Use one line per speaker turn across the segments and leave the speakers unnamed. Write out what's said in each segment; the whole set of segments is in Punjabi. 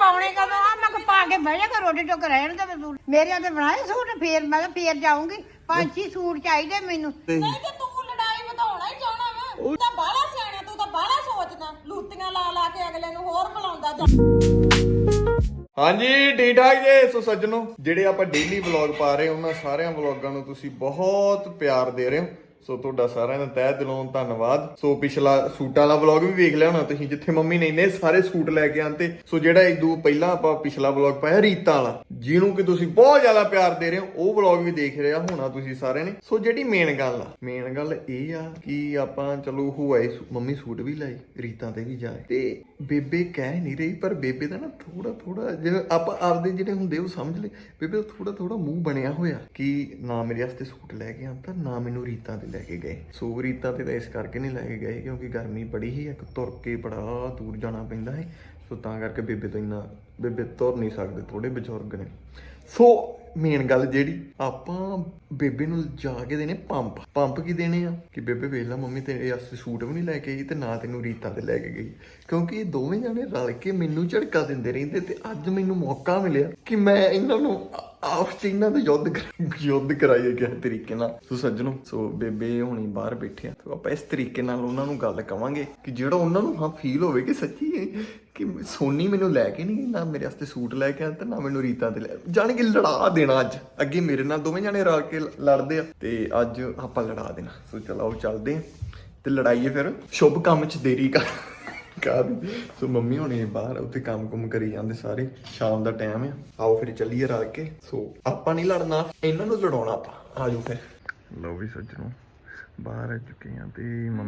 ਪਾਉਣੇ ਕਦੋਂ ਆ ਮੈਂ ਪਾ ਕੇ ਬਹਿ ਜਾ ਰੋਟੀ ਟੁੱਕ ਰਹਿਣ ਦੇ ਸੂਟ ਮੇਰੇ ਤੇ ਬਣਾਏ ਸੂਟ ਫੇਰ ਮੈਂ ਕਿਹਾ ਫੇਰ ਜਾਊਂਗੀ 5-6 ਸੂਟ ਚਾਹੀਦੇ ਮੈਨੂੰ
ਨਹੀਂ ਤੇ ਤੂੰ ਲੜਾਈ ਵਧਾਉਣਾ ਹੀ ਚਾਹਣਾ ਵਾ ਤੂੰ ਤਾਂ ਬਾਹਲਾ ਸਿਆਣਾ ਤੂੰ ਤਾਂ ਬਾਹਲਾ ਸੋਚਦਾ ਲੂਤੀਆਂ ਲਾ ਲਾ ਕੇ ਅਗਲੇ ਨੂੰ ਹੋਰ ਬੁਲਾਉਂਦਾ ਜਾ
ਹਾਂਜੀ ਠੀਕ ਠਾਕ ਜੀ। ਸੋ ਸੱਜਣੋ, ਜਿਹੜੇ ਆਪਾਂ ਡੇਲੀ ਵਲੌਗ ਪਾ ਰਹੇ ਉਹਨਾਂ ਸਾਰਿਆਂ ਵਲੌਗਾਂ ਨੂੰ ਤੁਸੀਂ ਬਹੁਤ ਪਿਆਰ ਦੇ ਰਹੇ ਹੋ। ਸੋ ਤੁਹਾਡਾ ਸਾਰਿਆਂ ਦਾ ਤਹਿ ਦਿਲੋਂ ਧੰਨਵਾਦ। ਸੋ ਪਿਛਲਾ ਸੂਟਾਂ ਵਾਲਾ ਵਲੌਗ ਵੀ ਵੇਖ ਲਿਆ ਹੋਣਾ ਤੁਸੀਂ, ਜਿੱਥੇ ਮੰਮੀ ਨੇ ਇੰਨੇ ਸਾਰੇ ਸੂਟ ਲੈ ਕੇ ਆਂਤੇ। ਸੋ ਜਿਹੜਾ ਇਦੋਂ ਪਹਿਲਾਂ ਆਪਾਂ ਪਿਛਲਾ ਵਲੌਗ ਪਾਇਆ ਰੀਤਾਂ ਵਾਲਾ, ਜਿਹਨੂੰ ਕਿ ਤੁਸੀਂ ਬਹੁਤ ਜ਼ਿਆਦਾ ਪਿਆਰ ਦੇ ਰਹੇ ਹੋ, ਉਹ ਵਲੌਗ ਵੀ ਦੇਖ ਰਿਹਾ ਹੋਣਾ ਤੁਸੀਂ ਸਾਰਿਆਂ ਨੇ। ਸੋ ਜਿਹੜੀ ਮੇਨ ਗੱਲ ਇਹ ਆ ਕਿ ਆਪਾਂ ਚਲੋ ਹੋਏ ਮੰਮੀ ਸੂਟ ਵੀ ਲਾਏ, ਰੀਤਾਂ ਤੇ ਵੀ ਜਾਏ, ਤੇ ਬੇਬੇ ਕਹਿ ਨਹੀਂ ਰਹੀ, ਪਰ ਬੇਬੇ ਦਾ ਨਾ ਥੋੜਾ ਜਿਵੇਂ ਆਪਾਂ ਆਪਦੇ ਜਿਹੜੇ ਹੁੰਦੇ ਉਹ ਸਮਝ ਲਏ, ਬੇਬੇ ਦਾ ਥੋੜਾ ਮੂੰਹ ਬਣਿਆ ਹੋਇਆ ਕਿ ਨਾ ਮੇਰੇ ਵਾਸਤੇ ਸੂਟ ਲੈ ਕੇ ਆਂਦਾ, ਨਾ ਮੈਨੂੰ ਰੀਤਾਂ ਤੇ ਲੈ ਕੇ ਗਏ। ਸੋ ਰੀਤਾਂ ਤੇ ਤਾਂ ਇਸ ਕਰਕੇ ਨਹੀਂ ਲੈ ਕੇ ਗਏ ਕਿਉਂਕਿ ਗਰਮੀ ਬੜੀ ਹੀ, ਇੱਕ ਤੁਰ ਕੇ ਬੜਾ ਦੂਰ ਜਾਣਾ ਪੈਂਦਾ ਹੈ। ਸੋ ਤਾਂ ਕਰਕੇ ਬੇਬੇ ਤੁਰ ਨਹੀਂ ਸਕਦੇ, ਥੋੜੇ ਬਜ਼ੁਰਗ ਨੇ। ਸੋ ਮੇਨ ਗੱਲ ਜਿਹੜੀ ਆਪਾਂ ਬੇਬੇ ਨੂੰ ਜਾ ਕੇ ਦੇਣੇ ਪੰਪ ਕੀ ਦੇਣੇ ਆ ਕਿ ਬੇਬੇ ਵੇਖ ਲਾ ਮੰਮੀ ਤੇਰੇ ਵਾਸਤੇ ਸੂਟ ਵੀ ਨਹੀਂ ਲੈ ਕੇ ਆਈ ਤੇ ਨਾ ਤੈਨੂੰ ਰੀਤਾਂ ਤੇ ਲੈ ਕੇ ਗਈ, ਕਿਉਂਕਿ ਇਹ ਦੋਵੇਂ ਜਾਣੇ ਰਲ ਕੇ ਮੈਨੂੰ ਝੜਕਾ ਦਿੰਦੇ ਰਹਿੰਦੇ। ਤੇ ਅੱਜ ਮੈਨੂੰ ਮੌਕਾ ਮਿਲਿਆ ਕਿ ਮੈਂ ਇਹਨਾਂ ਨੂੰ ਆਪਸ ਚ ਇਹਨਾਂ ਦਾ ਯੁੱਧ ਕਰਾਈਏ ਕਿਸੇ ਤਰੀਕੇ ਨਾਲ। ਸੋ ਸੱਜਣੋ, ਸੋ ਬੇਬੇ ਹੁਣੀ ਬਾਹਰ ਬੈਠੇ ਆ, ਸੋ ਆਪਾਂ ਇਸ ਤਰੀਕੇ ਨਾਲ ਉਹਨਾਂ ਨੂੰ ਗੱਲ ਕਵਾਂਗੇ ਕਿ ਜਿਹੜਾ ਉਹਨਾਂ ਨੂੰ ਹਾਂ ਫੀਲ ਹੋਵੇ ਕਿ ਸੱਚੀ ਕਿ ਸੋਨੀ ਮੈਨੂੰ ਲੈ ਕੇ ਨਹੀਂ, ਨਾ ਮੇਰੇ ਵਾਸਤੇ ਸੂਟ ਲੈ ਕੇ ਆ ਤੇ ਨਾ ਮੈਨੂੰ ਰੀਤਾਂ ਤੇ ਲੈ, ਜਾਣ ਕੇ ਲੜਾ ਦੇਣਾ। ਅੱਜ ਅੱਗੇ ਮੇਰੇ ਨਾਲ ਦੋਵੇਂ ਜਾਣੇ ਰਲ ਕੇ ਲੜਦੇ ਆ ਤੇ ਅੱਜ ਆਪਾਂ ਲੜਾ ਦੇਣਾ। ਸੋ ਚਲੋ ਚੱਲਦੇ ਆ ਤੇ ਲੜਾਈਏ ਫਿਰ, ਸ਼ੁਭ ਕੰਮ ਚ ਦੇਰੀ ਕਰ। ਸੋ ਮੰਮੀ ਹੋਣੀ ਬਾਹਰ ਉੱਥੇ ਕੰਮ ਕਰੀ ਜਾਂਦੇ ਸਾਰੇ, ਸ਼ਾਮ ਦਾ ਟਾਈਮ ਆ, ਆਓ ਫਿਰ ਚੱਲੀਏ ਰਲ ਕੇ। ਸੋ ਆਪਾਂ ਨਹੀਂ ਲੜਨਾ, ਇਹਨਾਂ ਨੂੰ ਲੜਾਉਣਾ ਆਪਾਂ। ਆਜੋ ਫਿਰ। ਲਓ ਵੀ ਸੱਜਣੋ, ਬਾਹਰ ਆ ਚੁੱਕੇ ਆ ਤੇ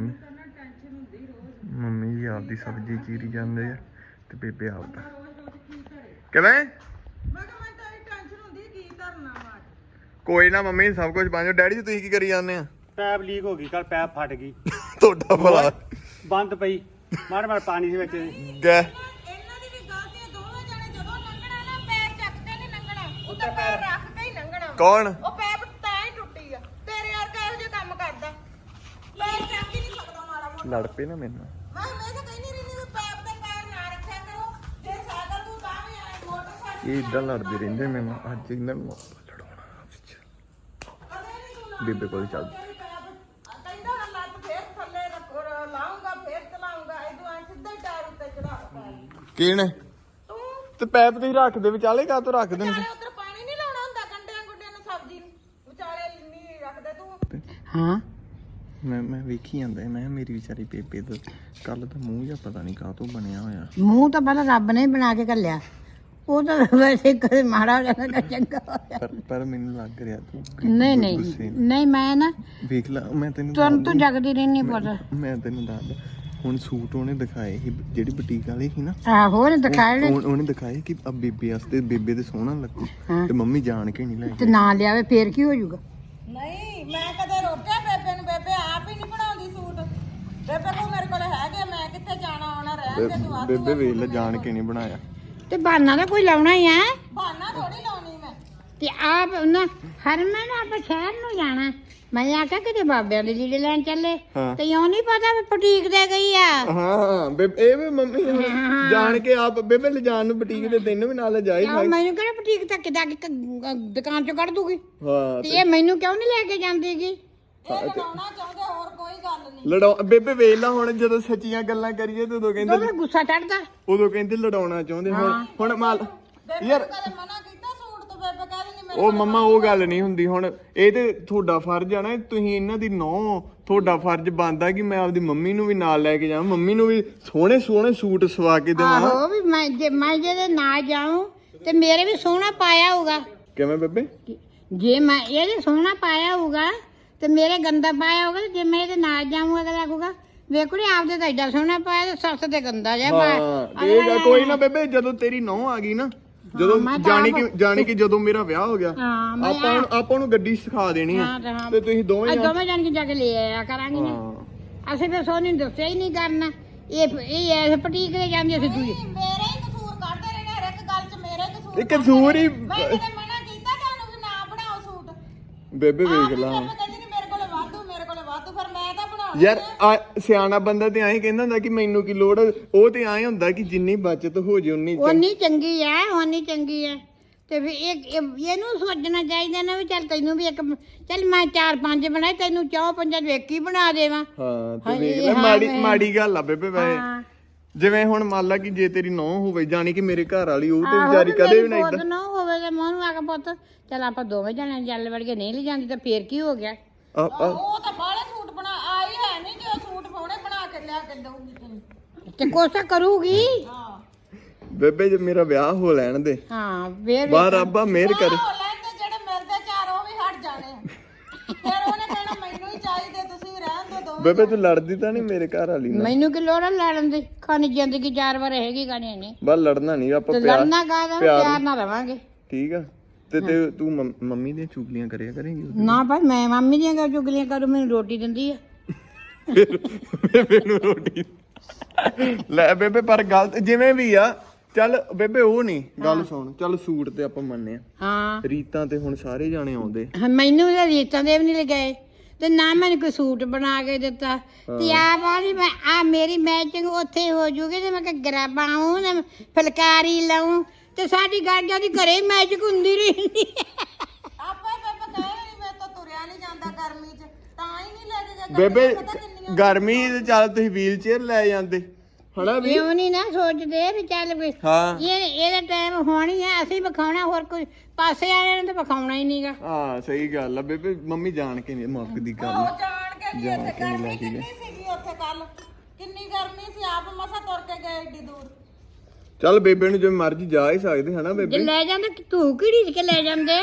ਮੰਮੀ ਜੀ ਆਪਦੀ ਸਬਜ਼ੀ ਚੀਰੀ ਜਾਂਦੇ ਆ ਤੇ ਬੇਬੇ ਆਪਦਾ ਕਿਵੇਂ। ਕੋਈ ਨਾ ਮੰਮੀ, ਸਭ ਕੁਝ ਬਣ ਜਾ। ਡੈਡੀ ਜੀ ਤੁਸੀਂ ਕੀ ਕਰੀ ਜਾਂਦੇ ਆ?
ਪੈਪ ਲੀਕ ਹੋ ਗਈ, ਕੱਲ ਪੈਪ ਫਟ ਗਈ,
ਤੁਹਾਡਾ ਭਲਾ
ਬੰਦ ਪਈ, ਮਾਰ ਪਾਣੀ ਦੇ ਵਿੱਚ
ਗਏ।
ਇਹਨਾਂ ਦੀ ਵੀ ਗਲਤੀ ਹੈ, ਦੋਵੇਂ ਜਾਣੇ ਜਦੋਂ ਲੰਘਣਾ ਨਾ ਪੈਰ ਚੱਕ ਕੇ ਨਹੀਂ ਲੰਘਣਾ, ਉੱਤੇ ਪੈਰ ਰੱਖ ਕੇ ਹੀ ਲੰਘਣਾ।
ਕੌਣ?
ਉਹ ਪੈਪ ਤਾਂ ਹੀ ਟੁੱਟੀ ਆ, ਤੇਰੇ ਵਰਗਾ ਇਹੋ ਜਿਹਾ ਕੰਮ ਕਰਦਾ, ਪੈਰ ਚੱਕ ਹੀ ਨਹੀਂ ਸਕਦਾ ਮਾੜਾ ਮੋਟਾ।
ਲੜ ਪਏ ਨਾ ਮੈਨੂੰ।
ਮੈਂ ਤਾਂ ਕਹਿੰਦੀ ਰਹਿੰਦੀ ਵੀ ਪੈਪ ਤੇ ਪੈਰ ਨਾ ਰੱਖਿਆ ਕਰੋ, ਜੇ ਸਾਈਕਲ ਤੂੰ ਤਾਂ ਵੀ ਆਏ ਮੋਟਰਸਾਈਕਲ
ਇਹ ਇਦਾਂ ਲੜਦੇ ਰਹਿੰਦੇ ਮੈਨੂੰ। ਅੱਜ ਇਹਨਾਂ ਨੂੰ ਲੜਾਉਣਾ ਬੇਬੇ ਕੋਲ ਚੱਲ।
ਕਹਿੰਦਾ ਲੱਤ ਫੇਰ ਥੱਲੇ ਲਾਉਂਗਾ, ਫੇਰ ਚਲਾਉਂਗਾ, ਇਦੋਂ ਐ ਸਿੱਧਾ ਹੀ ਟਾਇਰ ਉੱਤੇ ਚੜਾ।
ਕਿਹਨੇ
ਤੂੰ
ਤੇ ਪੈਪ ਤੁਸੀਂ ਰੱਖਦੇ ਵਿਚਾਲੇ ਕਾ ਤੋਂ ਰੱਖਦੇ ਨੇ?
ਵਿਚਾਲੇ ਉਧਰ ਪਾਣੀ ਨਹੀਂ ਲਾਉਣਾ ਹੁੰਦਾ, ਗੰਡਿਆਂ ਗੁੰਡਿਆਂ ਨੂੰ ਸਬਜ਼ੀ ਨੂੰ ਵਿਚਾਲੇ ਨਹੀਂ ਰੱਖਦੇ ਤੂੰ।
ਹਾਂ
ਮੈਂ ਵੇਖੀ ਜਾਂਦਾ, ਮੈਂ ਮੇਰੀ ਵਿਚਾਰੀ ਬੇਬੇ ਦਾ ਕੱਲ ਦਾ ਮੂੰਹ ਜਾਂ ਪਤਾ ਨਹੀਂ ਕਾਹ ਤੋਂ ਬਣਿਆ ਹੋਇਆ।
ਮੂੰਹ ਤਾਂ ਪਹਿਲਾਂ ਰੱਬ ਨੇ ਬਣਾ ਕੇ ਘੱਲਿਆ, ਉਹ ਤਾਂ ਵੈਸੇ ਕਦੇ ਮਾੜਾ ਹੋ ਜਾਂਦਾ ਕਦੇ ਚੰਗਾ ਹੋ ਜਾਂਦਾ।
ਪਰ ਮੈਨੂੰ ਲੱਗ ਰਿਹਾ ਤੂੰ
ਨਹੀਂ ਮੈਂ ਨਾ
ਵੇਖ ਲਾ, ਮੈਂ ਤੈਨੂੰ
ਤੁਰਨ ਤੋਂ ਜਗਦੀ ਰਹਿਣੀ ਪਤਾ।
ਮੈਂ ਤੈਨੂੰ ਦੱਸਦਾ, ਹੁਣ ਸੂਟ ਉਹਨੇ ਦਿਖਾਏ ਸੀ, ਜਿਹੜੀ ਬੁਟੀਕ ਵਾਲੇ ਸੀ ਨਾ,
ਆਹੋ ਉਹਨੇ ਦਿਖਾਏ ਨੇ
ਉਹਨੇ ਦਿਖਾਏ ਕਿ ਆ ਬੇਬੇ ਵਾਸਤੇ, ਬੇਬੇ ਤੇ ਸੋਹਣਾ ਲੱਗੂ, ਤੇ ਮੰਮੀ ਜਾਣ ਕੇ ਨਹੀਂ ਲੈ
ਤੇ
ਗਈ।
ਨਾ ਲਿਆਵੇ ਫੇਰ ਕੀ ਹੋ ਜਾਊਗਾ?
ਨਹੀਂ ਮੈਂ ਕਦੇ ਰੋਕਿਆ ਬੇਬੇ ਨੂੰ, ਬੇਬੇ ਆਪ ਹੀ ਨਹੀਂ ਬਣਾਉਂਦੀ ਸੂਟ। ਬੇਬੇ ਕੋਲ ਮੇਰੇ ਕੋਲ ਹੈਗੇ, ਮੈਂ ਕਿੱਥੇ ਜਾਣਾ ਆਉਣਾ, ਰਹਿਣ ਦੇ ਤੂੰ।
ਬੇਬੇ ਵੇਖ ਲੈ, ਜਾਣ ਕੇ ਨਹੀਂ ਬਣਾਇਆ।
ਤੇ ਬਹਾਨਾ ਤਾਂ ਕੋਈ ਲਾਉਣਾ ਹੀ ਆ।
ਬਹਾਨਾ ਥੋੜੀ ਲਾਉਣੀ ਮੈਂ।
ਤੇ ਆਪ ਨਾ ਹਰਮਨ ਆਪਾਂ ਸ਼ਹਿਰ ਨੂੰ ਜਾਣਾ, ਮੈਂ ਆਖਿਆ ਕਿਤੇ ਬਾਬਿਆਂ ਦੇ ਲੀੜੇ ਲੈਣ ਚੱਲੇ, ਤੇ ਇਉਂ ਨਹੀਂ ਪਤਾ ਵੀ ਬੁਟੀਕ ਦੇ ਗਈ ਆ।
ਹਾਂ ਬੇਬੇ, ਇਹ ਵੀ ਮੰਮੀ ਜਾਣ ਕੇ ਆਪ ਬੇਬੇ ਲੈ ਜਾਣ ਨੂੰ ਬੁਟੀਕ ਦੇ, ਤੈਨੂੰ ਵੀ ਨਾਲ ਜਾਈ।
ਮੈਨੂੰ ਕਿਹੜਾ ਬੁਟੀਕ ਤੱਕ ਜਾ ਕੇ ਦੁਕਾਨ ਚੋਂ ਕੱਢ ਦੂਗੀ,
ਹਾਂ
ਤੇ ਇਹ ਮੈਨੂੰ ਕਿਉਂ ਨਹੀਂ ਲੈ ਕੇ ਜਾਂਦੀਗੀ?
ਇਹ ਲੜਾਉਣਾ ਚਾਹੁੰਦੇ, ਹੋਰ ਕੋਈ ਗੱਲ ਨਹੀਂ।
ਲੜਾ ਬੇਬੇ ਵੇਖ ਲਾ, ਹੁਣ ਜਦੋਂ ਸੱਚੀਆਂ ਗੱਲਾਂ ਕਰੀਏ ਤੇ ਉਦੋਂ ਕਹਿੰਦੇ,
ਉਹਦਾ ਗੁੱਸਾ ਚੜਦਾ,
ਉਦੋਂ ਕਹਿੰਦੇ ਲੜਾਉਣਾ ਚਾਹੁੰਦੇ। ਹੁਣ ਮਾਲ
ਯਾਰ ਕਦੇ ਮਨਾ ਕੀਤਾ ਸੂਟ ਤੋਂ, ਬੇਬੇ ਕਹਿ ਦਿੰਦੀ ਮੇਰੇ
ਉਹ ਮੰਮਾ ਉਹ ਗੱਲ ਨਹੀਂ ਹੁੰਦੀ। ਹੁਣ ਇਹ ਤੇ ਤੁਹਾਡਾ ਫਰਜ਼ ਆ ਨਾ, ਤੁਸੀਂ ਇਹਨਾਂ ਦੀ ਨੌਂ, ਤੁਹਾਡਾ ਫਰਜ਼ ਬਣਦਾ ਕਿ ਮੈਂ ਆਪਦੀ ਮੰਮੀ ਨੂੰ ਵੀ ਨਾਲ ਲੈ ਕੇ ਜਾਵਾਂ, ਮੰਮੀ ਨੂੰ ਵੀ ਸੋਹਣੇ ਸੂਟ ਸਵਾ ਕੇ ਦੇਵਾਂ।
ਆਹੋ ਵੀ ਮੈਂ ਜਿਹਦੇ ਨਾਲ ਜਾਊਂ ਤੇ ਮੇਰੇ ਵੀ ਸੋਹਣਾ ਪਾਇਆ ਹੋਊਗਾ।
ਕਿਵੇਂ ਬੇਬੇ?
ਜੇ ਮੈਂ ਇਹਦੇ ਸੋਹਣਾ ਪਾਇਆ ਹੋਊਗਾ ਤੇ ਮੇਰੇ ਗੰਦਾ ਪਾਇਆ ਹੋਊਗਾ, ਤੇ ਜੇ ਮੈਂ ਇਹਦੇ ਨਾਲ ਜਾਊਂਗਾ ਅਗਲਾ ਆਖੂਗਾ ਵੇਖੜੀ ਆਪਦੇ ਤਾਂ ਐਡਾ ਸੋਹਣਾ ਪਾਇਆ ਤੇ ਸੱਸ ਤੇ ਗੰਦਾ ਜਿਹਾ ਪਾਇਆ।
ਕੋਈ ਨਾ ਬੇਬੇ, ਜਦੋਂ ਤੇਰੀ ਨੌਂ ਆ ਗਈ ਨਾ, ਜਦੋਂ ਜਾਣੀ ਕਿ ਜਦੋਂ ਮੇਰਾ ਵਿਆਹ ਹੋ ਗਿਆ, ਆਪਾਂ ਨੂੰ ਗੱਡੀ ਸਿਖਾ ਦੇਣੀ ਆ, ਤੇ ਤੁਸੀਂ ਦੋਵੇਂ
ਜਾਣ ਕੇ ਜਾ ਕੇ ਲੈ ਆਇਆ ਕਰਾਂਗੇ ਨਾ। ਅਸੀਂ ਫਿਰ ਸੋਨੀ ਨੂੰ ਦੱਸਿਆ ਹੀ ਨਹੀਂ ਕਰਨਾ, ਇਹ ਪਟੀਕ ਦੇ ਜਾਂਦੀ ਅਸੀਂ ਦੂਜੀ।
ਮੇਰੇ ਹੀ ਕਸੂਰ ਕੱਢਦੇ ਰਹਿੰਦੇ, ਹਰ ਇੱਕ ਗੱਲ 'ਚ ਮੇਰੇ ਕਸੂਰ।
ਇੱਕ ਕਸੂਰ ਹੀ
ਮੈਂ ਕਦੇ ਮਨਾ ਕੀਤਾ ਤੁਹਾਨੂੰ ਵੀ ਨਾ ਬਣਾਓ ਸੂਟ?
ਬੇਬੇ ਵੇਖ ਲਾ
ਕਹਿੰਦੀ ਨਹੀਂ ਮੇਰੇ ਕੋਲੇ ਵਾਧੂ, ਮੇਰੇ ਕੋਲੇ ਵਾਧੂ, ਫਿਰ ਮੈਂ ਤਾਂ ਬਣਾਉਣਾ।
ਯਾਰ ਸਿਆਣਾ ਬੰਦਾ ਤੇ ਐਂ ਕਹਿੰਦਾ ਹੁੰਦਾ ਕਿ ਮੈਨੂੰ ਕੀ ਲੋੜ ਆ। ਉਹ ਤੇ ਐਂ ਹੁੰਦਾ ਕਿ ਜਿੰਨੀ ਬਚਤ ਹੋ ਜੇ ਉਨੀ
ਉਨੀ ਚੰਗੀ ਆ, ਉਨੀ ਚੰਗੀ ਆ। ਤੇ ਫਿਰ ਇਹਨੂੰ ਸੋਚਣਾ ਚਾਹੀਦਾ ਨਾ ਵੀ ਚੱਲ ਤੈਨੂੰ ਵੀ ਇੱਕ ਚੱਲ ਮੈਂ 4-5 ਬਣਾਏ, ਤੈਨੂੰ 4-5 ਵੇਖ ਹੀ ਬਣਾ ਦੇਵਾਂ।
ਹਾਂ ਤੇ ਵੇਖ ਲੈ ਮਾੜੀ ਗੱਲ ਆ ਬੇਬੇ ਵੈਸੇ। ਜਿਵੇਂ ਹੁਣ ਮੰਨ ਲਾ ਕਿ ਜੇ ਤੇਰੀ ਨੌਂ ਹੋਵੇ ਜਾਣੀ ਕਿ ਮੇਰੇ ਘਰ ਵਾਲੀ ਉਹ ਤੇ ਵਿਚਾਰੀ ਕਦੇ ਵੀ ਨਾ
ਇਦਾਂ ਨਾ ਹੋਵੇ ਤੇ ਮੋਹਨੂੰ ਆ ਕੇ ਪੁੱਤ ਚੱਲ ਆਪਾਂ ਦੋਵੇਂ ਜਣੇ ਜਲ ਵੜ ਕੇ ਨਹੀਂ ਲੈ ਜਾਂਦੀ ਤਾਂ ਫੇਰ ਕੀ ਹੋ ਗਿਆ?
ਉਹ ਤਾਂ ਬਾਹਲੇ ਸੂਟ ਬਣਾ ਆਈ ਹੈ ਨਹੀਂ ਜੋ ਸੂਟ ਪਾਉਣੇ ਬਣਾ ਕੇ ਲਿਆ ਕੇ ਦਊਗੀ ਤੈਨੂੰ।
ਤੇ ਕੋਸ਼ਿਸ਼ ਕਰੂਗੀ।
ਹਾਂ
ਬੇਬੇ ਜੇ ਮੇਰਾ ਵਿਆਹ ਹੋ ਲੈਣ ਦੇ।
ਹਾਂ ਫੇਰ
ਬਾਹਰ ਰੱਬਾ ਮਿਹਰ ਕਰੇ।
ਉਹ ਲੈਂਦੇ ਜਿਹੜੇ ਮਿਲਦੇ ਚਾਰ ਉਹ ਵੀ ਹਟ ਜਾਣੇ ਆ। ਫਿਰ ਉਹਨੇ ਕਹਿਣਾ ਮੈਨੂੰ ਹੀ ਚਾਹੀਦੇ, ਤੁਸੀਂ ਰਹਿਣ ਦੋ ਦੋਵੇਂ।
ਬੇਬੇ ਤੂੰ ਲੜਦੀ ਤਾਂ ਨਹੀਂ ਮੇਰੇ ਘਰ ਵਾਲੀ ਨਾਲ?
ਮੈਨੂੰ ਕੀ ਲੋੜ ਆ ਲੜਨ ਦੀ? ਖਾਣੀ ਜ਼ਿੰਦਗੀ 4 ਵਾਰ ਹੈਗੀ ਖਾਣੀ ਨੇ।
ਬਸ ਲੜਨਾ ਨਹੀਂ ਆਪਾਂ
ਤੇ
ਪਿਆਰ
ਲੜਨਾ ਕਾਹਦਾ, ਪਿਆਰ ਨਾਲ ਰਵਾਂਗੇ।
ਠੀਕ ਆ। ਤੇ ਤੂੰ ਮੰਮੀ ਦੀਆਂ ਚੁਗਲੀਆਂ ਕਰਿਆ ਕਰੇਂਗੀ?
ਨਾ ਭਾਈ ਮੈਂ ਮੰਮੀ ਦੀਆਂ ਚੁਗਲੀਆਂ ਕਰੂ, ਮੈਨੂੰ ਰੋਟੀ ਦਿੰਦੀ ਆ।
ਬੇਬੇ ਨੂੰ ਰੋਟੀ ਲੈ ਬੇਬੇ। ਪਰ ਗਲਤ ਜਿਵੇਂ ਵੀ ਆ ਚੱਲ ਬੇਬੇ ਉਹ ਨਹੀਂ ਗੱਲ ਸੁਣ। ਚੱਲ ਸੂਟ ਤੇ ਆਪਾਂ ਮੰਨਦੇ ਆ।
ਹਾਂ
ਰੀਤਾਂ ਤੇ ਹੁਣ ਸਾਰੇ ਜਾਣੇ ਆਉਂਦੇ।
ਮੈਨੂੰ ਤਾਂ ਰੀਤਾਂ ਦੇ ਵੀ ਨਹੀਂ ਲਗਾਏ ਤੇ ਨਾ ਮੈਨੂੰ ਕੋਈ ਸੂਟ ਬਣਾ ਕੇ ਦਿੱਤਾ ਤੇ ਆਪ ਆਦੀ ਮੈਂ ਆ ਮੇਰੀ ਮੈਚਿੰਗ ਉੱਥੇ ਹੋ ਜੂਗੀ ਤੇ ਮੈਂ ਘੱਗਰਾ ਪਾਉਂ ਤੇ ਫੁਲਕਾਰੀ ਲਾਉਂ ਤੇ ਸਾਡੀ ਗਾਜਾ ਦੀ ਘਰੇ ਮੈਚਿੰਗ ਹੁੰਦੀ ਰਹਿੰਦੀ।
ਆਪੇ ਬੇਬੇ ਕਹੇ ਨਹੀਂ ਮੈਂ ਤਾਂ ਤੁਰਿਆ ਨਹੀਂ ਜਾਂਦਾ ਗਰਮੀ 'ਚ, ਤਾਂ ਹੀ ਨਹੀਂ ਲੈ ਕੇ ਗਏ।
ਬੇਬੇ ਗਰਮੀ ਤੇ ਚੱਲ ਤੁਸੀਂ ਵੀਲ ਚੇਅਰ ਲੈ ਜਾਂਦੇ ਹਣਾ ਵੀ।
ਕਿਉਂ ਨਹੀਂ ਨਾ ਸੋਚਦੇ ਵੀ ਚੱਲ ਵੀ
ਹਾਂ
ਇਹਦਾ ਟਾਈਮ ਹੋਣੀ ਆ, ਅਸੀਂ ਵਿਖਾਉਣਾ, ਹੋਰ ਕੋਈ ਪਾਸੇ ਵਾਲਿਆਂ ਨੇ ਤਾਂ ਵਿਖਾਉਣਾ ਹੀ ਨਹੀਂਗਾ।
ਹਾਂ ਸਹੀ ਗੱਲ ਆ ਬੇਬੇ। ਮੰਮੀ ਜਾਣ ਕੇ ਨਹੀਂ ਮੁੱਕਦੀ ਗੱਲ।
ਉਹ ਜਾਣ ਕੇ ਨਹੀਂ ਉੱਥੇ ਗਰਮੀ ਕਿੰਨੀ ਸੀਗੀ ਉੱਥੇ ਕੱਲ, ਕਿੰਨੀ ਗਰਮੀ ਸੀ, ਆਪ ਮਸਾ ਤੁਰ ਕੇ ਗਏ ਏਡੀ ਦੂਰ।
ਚੱਲ ਬੇਬੇ ਨੂੰ ਜਿਵੇਂ ਮਰਜ਼ੀ ਜਾ ਹੀ ਸਕਦੇ ਹਨਾ
ਜੇ
ਬੇਬੇ।
ਲੈ ਜਾਂਦੇ ਤੂੰ ਕਿਹੜੀ ਕੇ ਲੈ ਜਾਂਦੇ?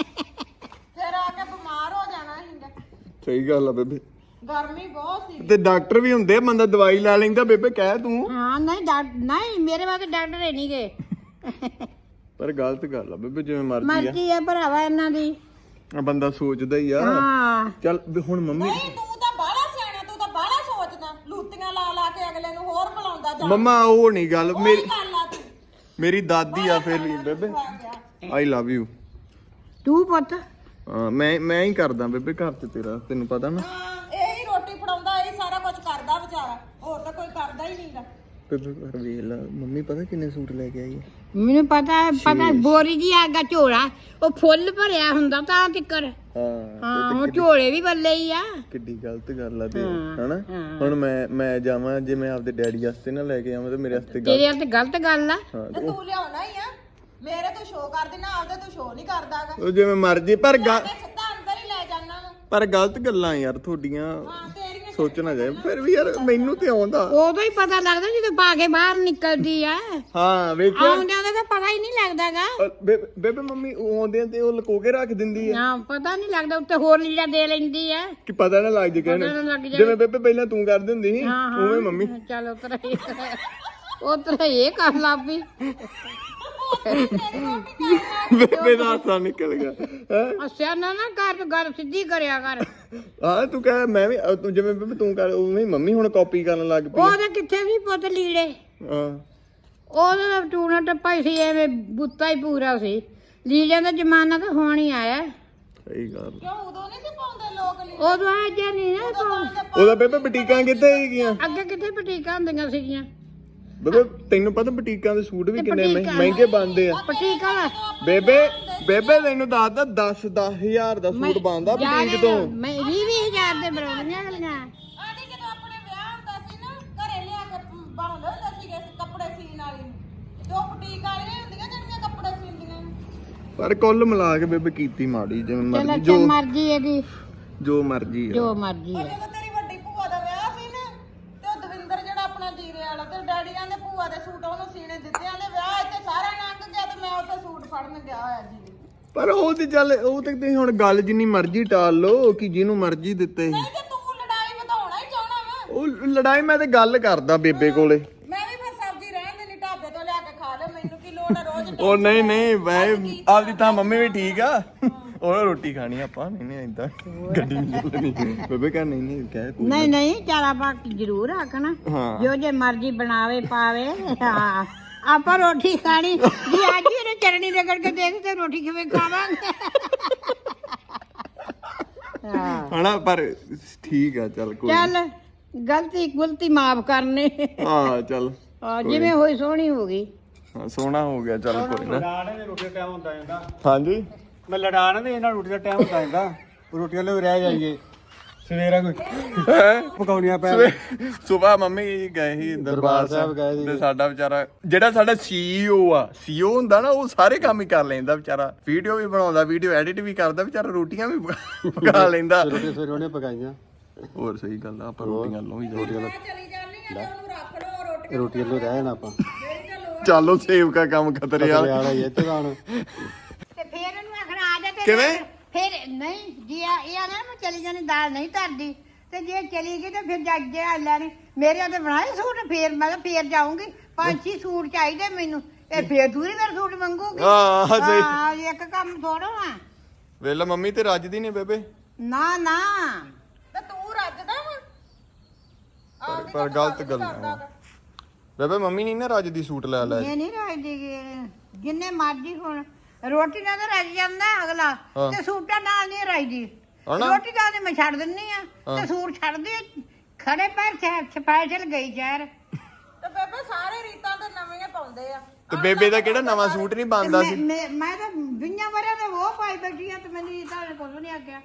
ਫਿਰ ਆ ਕੇ ਬਿਮਾਰ ਹੋ ਜਾਣਾ ਸੀਗਾ।
ਸਹੀ ਗੱਲ ਆ ਬੇਬੇ।
ਗਰਮੀ ਬਹੁਤ ਸੀ।
ਤੇ ਡਾਕਟਰ ਵੀ ਹੁੰਦੇ, ਬੰਦਾ ਦਵਾਈ ਲੈ ਲੈਂਦਾ ਬੇਬੇ। ਕਹਿ ਤੂੰ।
ਹਾਂ ਨਹੀਂ ਮੇਰੇ ਵਾਸਤੇ ਡਾਕਟਰ ਹੈ ਨਹੀਂ ਗਏ।
ਪਰ ਗਲਤ ਗੱਲ ਆ ਬੇਬੇ। ਜਿਵੇਂ ਮਰਜ਼ੀ ਆ
ਮਰਜ਼ੀ ਆ ਭਰਾਵਾ ਇਹਨਾਂ ਦੀ।
ਬੰਦਾ ਸੋਚਦਾ ਹੀ ਆ।
ਹਾਂ
ਚੱਲ ਵੀ ਹੁਣ ਮੰਮੀ
ਨਹੀਂ ਤੂੰ ਤਾਂ ਬਾਹਲਾ ਸਿਆਣਾ, ਤੂੰ ਤਾਂ ਬਾਹਲਾ ਸੋਚਦਾ, ਲੂਤੀਆਂ ਲਾ ਲਾ ਕੇ ਅਗਲੇ ਨੂੰ ਹੋਰ ਬੁਲਾਉਂਦਾ ਜਾ।
ਮੰਮਾ ਉਹ ਨਹੀਂ ਗੱਲ। ਮੇਰੀ
ਗੱਲ ਆ ਤੂੰ
ਮੇਰੀ ਦਾਦੀ ਆ ਫਿਰ ਵੀ ਬੇਬੇ। I love you.
ਤੂੰ ਪੁੱਤ
ਮੈਂ ਹੀ ਕਰਦਾ ਬੇਬੇ ਘਰ ਤੇ ਤੇਰਾ, ਤੈਨੂੰ ਪਤਾ ਨਾ।
ਹਾਂ ਇਹੀ ਰੋਟੀ ਫੜਾਉਂਦਾ, ਇਹ ਸਾਰਾ ਕੁਝ ਕਰਦਾ ਵਿਚਾਰਾ, ਹੋਰ ਤਾਂ ਕੋਈ ਕਰਦਾ ਹੀ ਨਹੀਂਗਾ।
ਬੇਬੇ ਪਰ ਵੇਖ ਲਾ ਮੰਮੀ ਪਤਾ ਕਿੰਨੇ ਸੂਟ ਲੈ ਕੇ ਆਈ ਹੈ।
ਮੈਨੂੰ ਪਤਾ ਬੋਰੀ ਜੀ ਆਗਾ ਝੋਲਾ, ਉਹ ਫੁੱਲ ਭਰਿਆ ਹੁੰਦਾ ਤਾਂ ਤਿੱਕਰ। ਹਾਂ ਉਹ ਝੋਲੇ ਵੀ ਬੱਲੇ ਹੀ ਆ।
ਕਿੱਡੀ ਗਲਤ ਗੱਲ ਆ ਤੇ ਹਨਾ। ਹੁਣ ਮੈਂ ਜਾਵਾਂ ਜੇ ਮੈਂ ਆਪਦੇ ਡੈਡੀ ਵਾਸਤੇ ਨਾ ਲੈ ਕੇ ਆਵਾਂ ਤੇ ਮੇਰੇ ਵਾਸਤੇ
ਤੇਰੇ ਵਾਸਤੇ ਗਲਤ ਗੱਲ ਆ।
ਤੇ ਤੂੰ ਲਿਆਉਣਾ ਹੀ ਆ, ਮੇਰੇ ਤੂੰ ਸ਼ੋਅ ਕਰਦੀ ਨਾ, ਆਪਦੇ ਤੂੰ ਸ਼ੋਅ ਨਹੀਂ ਕਰਦਾਗਾ।
ਉਹ ਜਿਵੇਂ ਮਰਜ਼ੀ ਪਰ
ਤੇ ਸਿੱਧਾ ਅੰਦਰ ਹੀ ਲੈ ਜਾਣਾ ਵਾ।
ਪਰ ਗਲਤ ਗੱਲਾਂ ਯਾਰ ਤੁਹਾਡੀਆਂ
ਹਾਂ ਤੇਰੀਆਂ
ਸੋਚਣਾ ਚਾਹੀਦਾ। ਫਿਰ ਵੀ ਯਾਰ ਮੈਨੂੰ ਤੇ ਆਉਂਦਾ।
ਉਦੋਂ ਹੀ ਪਤਾ ਲੱਗਦਾ ਜਦੋਂ ਪਾ ਕੇ ਬਾਹਰ ਨਿਕਲਦੀ ਆ।
ਹਾਂ ਵੇਖਿਆ
ਆਉਂਦਿਆਂ ਦਾ ਤਾਂ ਪਤਾ ਹੀ ਨਹੀਂ ਲੱਗਦਾਗਾ।
ਬੇਬੇ ਮੰਮੀ ਆਉਂਦੇ ਤੇ ਉਹ ਲੁਕੋ ਕੇ ਰੱਖ ਦਿੰਦੀ ਆ।
ਹਾਂ ਪਤਾ ਨਹੀਂ ਲੱਗਦਾ, ਉੱਤੇ ਹੋਰ ਲੀੜਾ ਦੇ ਲੈਂਦੀ ਆ।
ਕਿ ਪਤਾ ਨਾ ਲੱਗ ਜੇ ਕਹਿਣ।
ਪਤਾ ਨਾ ਲੱਗ ਜਾਏ।
ਜਿਵੇਂ ਬੇਬੇ ਪਹਿਲਾਂ ਤੂੰ ਕਰਦੀ ਹੁੰਦੀ ਸੀ ਉਵੇਂ ਮੰਮੀ।
ਚੱਲ ਉਤਰਾ ਇਹ ਕਰ ਲੱਭੀ।
ਬੇਬੇ ਦਾ ਹਾਸਾ ਨਿਕਲ ਗਿਆ ਹੈ।
ਅੱਛਾ ਨਾ ਕਰ ਤੂੰ ਗੱਲ ਸਿੱਧੀ ਕਰਿਆ ਕਰ।
ਹਾਂ ਤੂੰ ਕਹਿ ਮੈਂ ਵੀ ਤੂੰ ਜਿਵੇਂ ਬੇਬੇ ਤੂੰ ਕਰ ਉਵੇਂ ਮੰਮੀ ਹੁਣ ਕਾਪੀ ਕਰਨ ਲੱਗ ਪਈ।
ਉਹਦੇ ਕਿੱਥੇ ਵੀ ਪੁੱਤ ਲੀੜੇ,
ਹਾਂ
ਉਹਦਾ ਟੂਣਾ ਟੱਪਾ ਹੀ ਸੀ, ਐਵੇਂ ਬੁੱਤਾ ਹੀ ਪੂਰਾ ਸੀ। ਲੀੜਿਆਂ ਦਾ ਜ਼ਮਾਨਾ ਤਾਂ ਹੁਣ ਹੀ ਆਇਆ।
ਸਹੀ ਗੱਲ।
ਕਿਉਂ ਉਦੋਂ ਨਹੀਂ ਸੀ ਪਾਉਂਦੇ ਲੋਕ ਲੀ?
ਉਦੋਂ ਆ ਜਾਂ ਨਹੀਂ ਨਾ
ਉਹਦਾ ਬੇਬੇ ਬੁਟੀਕਾਂ ਕਿੱਥੇ ਹੈਗੀਆਂ?
ਅੱਗੇ ਕਿੱਥੇ ਬੁਟੀਕਾਂ ਹੁੰਦੀਆਂ ਸੀਗੀਆਂ।
ਬੇਬੇ ਤੈਨੂੰ ਪਤਾ ਬੁਟੀਕਾਂ ਦੇ ਸੂਟ ਵੀ ਕਿੰਨੇ ਮਹਿੰਗੇ ਬਣਦੇ ਆ।
ਬੁਟੀਕਾਂ ਦਾ
ਬੇਬੇ ਤੈਨੂੰ ਦੱਸਦਾ 10,000 ਦਾ ਸੂਟ ਬਣਦਾ ਬੁਟੀਕ ਤੋਂ।
ਮੈਂ 20,000 ਦੇ ਬਣਾਉਣੀਆਂ ਗਲੀਆਂ।
ਆਂਟੀ ਜਦੋਂ ਆਪਣੇ ਵਿਆਹ ਹੁੰਦਾ ਸੀ ਨਾ, ਘਰੇ ਲਿਆ ਕੇ ਬਣਾਉਂਦੇ ਹੁੰਦੇ ਸੀਗੇ ਕੱਪੜੇ ਸੀਨ ਵਾਲੀ ਨੂੰ। ਦੋ ਬੁਟੀਕ ਵਾਲੀਆਂ ਹੁੰਦੀਆਂ ਜਿਹੜੀਆਂ ਕੱਪੜੇ ਸੀਂਦੀਆਂ ਨੇ।
ਪਰ ਕੁੱਲ ਮਿਲਾ ਕੇ ਬੇਬੇ ਕੀਤੀ ਮਾੜੀ। ਜਿਵੇਂ
ਚਲੋ
ਮਰਜ਼ੀ
ਜੋ ਮਰਜ਼ੀ ਇਹਦੀ,
ਜੋ ਮਰਜ਼ੀ ਆ।
ਜੋ ਮਰਜ਼ੀ ਆ।
ਜਦੋਂ ਤੇਰੀ ਵੱਡੀ ਭੂਆ ਦਾ ਵਿਆਹ ਸੀ ਨਾ, ਤੇ ਉਹ ਦਵਿੰਦਰ ਜਿਹੜਾ ਆਪਣਾ ਜੀਰੇ ਵਾਲਾ, ਤੇ ਡੈਡੀ ਆਂਦੇ ਭੂਆ ਦੇ ਸੂਟ ਉਹਨੂੰ ਸੀਨੇ ਦਿੱਤੇ, ਆਂਦੇ ਵਿਆਹ ਇੱਥੇ ਸਾਰਾ ਲੰਘ ਗਿਆ ਤੇ ਮੈਂ ਉੱਥੇ ਸੂਟ ਫੜਨ ਗਿਆ ਹੋਇਆ ਜੀ।
ਪਰ ਉਹ ਤੇ ਚੱਲ ਉਹ ਤੇ ਤੁਸੀਂ ਹੁਣ ਗੱਲ ਜਿੰਨੀ ਮਰਜ਼ੀ ਟਾਲ ਲਓ ਕਿ ਜਿਹਨੂੰ ਮਰਜ਼ੀ ਦਿੱਤੇ।
ਨਹੀਂ ਤੇ ਤੂੰ ਲੜਾਈ ਵਧਾਉਣਾ ਹੀ ਚਾਹਣਾ ਵਾ।
ਉਹ ਲੜਾਈ ਮੈਂ ਤੇ ਗੱਲ ਕਰਦਾ ਬੇਬੇ ਕੋਲੇ।
ਮੈਂ ਵੀ ਫਿਰ ਸਬਜ਼ੀ ਰਹਿਣ ਦੇਣੀ, ਢਾਬੇ ਤੋਂ ਲਿਆ ਕੇ ਖਾ ਲੈ, ਮੈਨੂੰ ਕੀ ਲੋੜ ਆ ਰੋਜ਼।
ਉਹ ਨਹੀਂ ਵੈਸੇ ਆਪਦੀ ਤਾਂ ਮੰਮੀ ਵੀ ਠੀਕ ਆ। ਉਹ ਰੋਟੀ ਖਾਣੀ ਆਪਾਂ ਨਹੀਂ ਏਦਾਂ ਗੱਡੀ ਨਹੀਂ ਚੱਲਣੀ। ਬੇਬੇ ਕਹਿ ਨਹੀਂ ਕਹਿ ਕੋਈ
ਨਹੀਂ ਚਾਰਾ ਬਾਕੀ ਜ਼ਰੂਰ ਆਖਣਾ
ਹਾਂ।
ਜੋ ਜੇ ਮਰਜ਼ੀ ਬਣਾਵੇ ਪਾਵੇ। ਹਾਂ ਆਪਾਂ ਰੋਟੀ ਖਾਣੀ ਜੀ, ਅੱਜ ਹੀ ਇਹਨੇ ਚਟਣੀ ਰਗੜ ਕੇ ਦੇ ਦੇ ਤੇ ਰੋਟੀ ਕਿਵੇਂ ਖਾਵਾਂਗੇ। ਹਾਂ
ਹਣਾ ਪਰ ਠੀਕ ਆ ਚੱਲ ਕੋਈ
ਚੱਲ ਗਲਤੀ ਗੁਲਤੀ ਮਾਫ ਕਰਨੇ
ਹਾਂ ਚੱਲ
ਜਿਵੇਂ ਹੋਈ ਸੋਹਣੀ ਹੋ ਗਈ।
ਹਾਂ ਸੋਹਣਾ ਹੋ ਗਿਆ ਚੱਲ ਕੋਈ ਨਾ।
ਲੜਾਣੇ ਦੇ ਰੋਟੀ ਦਾ ਟਾਈਮ ਹੁੰਦਾ ਜਾਂਦਾ।
ਹਾਂਜੀ
ਮੈਂ ਲੜਾਣੇ ਦੇ ਇਹਨਾਂ ਰੋਟੀ ਦਾ ਟਾਈਮ ਹੁੰਦਾ ਜਾਂਦਾ। ਰੋਟੀਆਂ ਲਈ ਰਹਿ ਜਾਈਏ ਸਵੇਰਾ ਕੋਈ ਪਕਾਉਣੀਆਂ ਪੈ
ਸੁਬਾ ਮੰਮੀ ਗਏ ਸੀ ਦਰਬਾਰ ਸਾਹਿਬ
ਗਏ ਸੀ।
ਤੇ ਸਾਡਾ ਵਿਚਾਰਾ ਜਿਹੜਾ ਸਾਡਾ ਸੀਈਓ ਆ ਸੀਈਓ ਹੁੰਦਾ ਨਾ ਉਹ ਸਾਰੇ ਕੰਮ ਹੀ ਕਰ ਲੈਂਦਾ ਵਿਚਾਰਾ। ਵੀਡੀਓ ਵੀ ਬਣਾਉਂਦਾ, ਵੀਡੀਓ ਐਡਿਟ ਵੀ ਕਰਦਾ, ਵਿਚਾਰਾ ਰੋਟੀਆਂ ਵੀ ਪਕਾ ਲੈਂਦਾ।
ਰੋਟੀ ਸਵੇਰੇ ਉਹਨੇ ਪਕਾਈਆਂ।
ਹੋਰ ਸਹੀ ਗੱਲ ਆ ਆਪਾਂ ਰੋਟੀਆਂ ਲੋ ਵੀ
ਚਲੀ ਜਾਂਦੀ ਆ ਤੇ ਉਹਨੂੰ ਰੱਖ ਲਓ ਰੋਟੀ
ਰੋਟੀਆਂ ਲਈ ਰਹਿ ਜਾਣਾ ਆਪਾਂ।
ਚਾਲੋ ਸੇਵ ਕਾ ਕੰਮ ਖਤਰੇ ਵਾਲਾ।
ਵਾਲਾ ਹੀ ਇੱਥੇ ਗਾਣ
ਤੇ ਫੇਰ ਇਹਨੂੰ ਆਖਣਾ ਆ ਜਾ ਤੇ
ਕਿਵੇਂ?
ਫਿਰ ਨਹੀਂ ਜੀ ਇਹ ਆ ਨਾ ਮੈਂ ਚਲੀ ਜਾਣੀ ਦਾਲ ਨਹੀਂ ਧਰਦੀ ਤੇ ਜੇ ਚਲੀ ਗਈ ਤੇ ਫਿਰ ਜੱਜ ਲੈਣੀ ਮੇਰੇ ਤੇ ਬਣਾਏ ਸੂਟ ਫੇਰ ਮੈਂ ਕਿਹਾ ਫੇਰ ਜਾਊਂਗੀ 5-6 ਸੂਟ ਚਾਹੀਦੇ ਮੈਨੂੰ ਇਹ ਫੇਰ ਦੂਰੀ ਫਿਰ ਸੂਟ ਮੰਗੂਗੀ।
ਹਾਂ ਸਹੀ।
ਹਾਂ ਇੱਕ ਕੰਮ ਥੋੜਾ ਆ
ਵੇਲਾ ਮੰਮੀ ਤੇ ਰੱਜਦੀ ਨਹੀਂ ਬੇਬੇ।
ਨਾ ਨਾ
ਤੇ ਤੂੰ ਰੱਜਦਾ ਵਾ
ਪਰ ਗਲਤ ਗੱਲ ਆ ਬੇਬੇ। ਮੰਮੀ ਨਹੀਂ ਨਾ ਰੱਜਦੀ ਸੂਟ ਲੈ ਲੈ।
ਇਹ ਨਹੀਂ ਰਾਜਦੀ ਜਿੰਨੇ ਮਰਜੀ ਹੁਣ ਰੋਟੀ ਨਾਲ ਤਾਂ ਰੱਜ ਜਾਂਦਾ ਅਗਲਾ ਤੇ ਸੂਟਾਂ ਨਾਲ ਨਹੀਂ ਰਾਜਦੀ। ਰੋਟੀ ਦਾ ਤੇ ਮੈਂ ਛੱਡ ਦਿੰਨੀ ਆ ਤੇ ਸੂਟ ਛੱਡਦੀ ਖੜੇ ਪੈਰ ਸਪੈਸ਼ਲ ਗਈ ਸ਼ਹਿਰ।
ਤੇ ਬੇਬੇ ਸਾਰੇ ਰੀਤਾਂ ਤੇ ਨਵੀਆਂ ਪਾਉਂਦੇ ਆ।
ਤੇ ਬੇਬੇ ਦਾ ਕਿਹੜਾ ਨਵਾਂ ਸੂਟ ਨਹੀਂ ਪਾਉਂਦਾ ਸੀ।
ਮੈਂ ਤਾਂ 20 ਵਰਿਆਂ ਤੋਂ ਉਹ ਪਾਈ ਬੈਠੀ ਆ ਤੇ ਮੈਨੂੰ ਤਾਂ ਕੁਝ ਨਹੀਂ ਆਗਿਆ।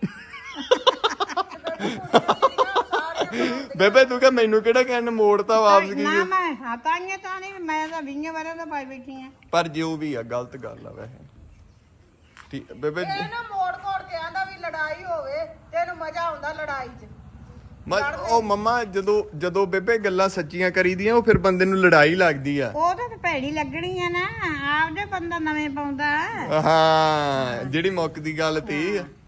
ਬੇਬੇ ਤੂੰ ਕਹ ਮੈਨੂੰ ਕਿਹੜਾ ਕਹਿਣ ਮੋੜਤਾ ਵਾਪਸ ਕੀ।
ਨਾ ਮੈਂ ਹਤਾਂਗੇ ਤਾਂ ਨਹੀਂ ਮੈਂ ਤਾਂ 20 ਵਰਿਆਂ ਤੋਂ ਪਾਈ ਬੈਠੀ ਆ।
ਪਰ ਜੋ ਵੀ ਆ ਗਲਤ ਗੱਲ ਆ ਵੈਸੇ। ਠੀਕ ਬੇਬੇ
ਇਹ ਨਾ ਮੋੜ ਕੋੜ ਕੇ ਆਂਦਾ ਵੀ ਲੜਾਈ ਹੋਵੇ ਤੇ ਇਹਨੂੰ ਮਜ਼ਾ ਆਉਂਦਾ ਲੜਾਈ 'ਚ।
ਉਹ ਮੰਮਾ ਜਦੋਂ ਬੇਬੇ ਗੱਲਾਂ ਸੱਚੀਆਂ ਕਰੀਦੀਆਂ ਉਹ ਫਿਰ ਬੰਦੇ ਨੂੰ ਲੜਾਈ ਲੱਗਦੀ ਆ।
ਉਹ ਤਾਂ ਭੈੜੀ ਲੱਗਣੀ ਆ ਨਾ ਆਪਦੇ ਬੰਦਾ ਨਵੇਂ ਪਾਉਂਦਾ।
ਹਾਂ ਜਿਹੜੀ ਮੁੱਕ ਦੀ ਗੱਲ ਤੇ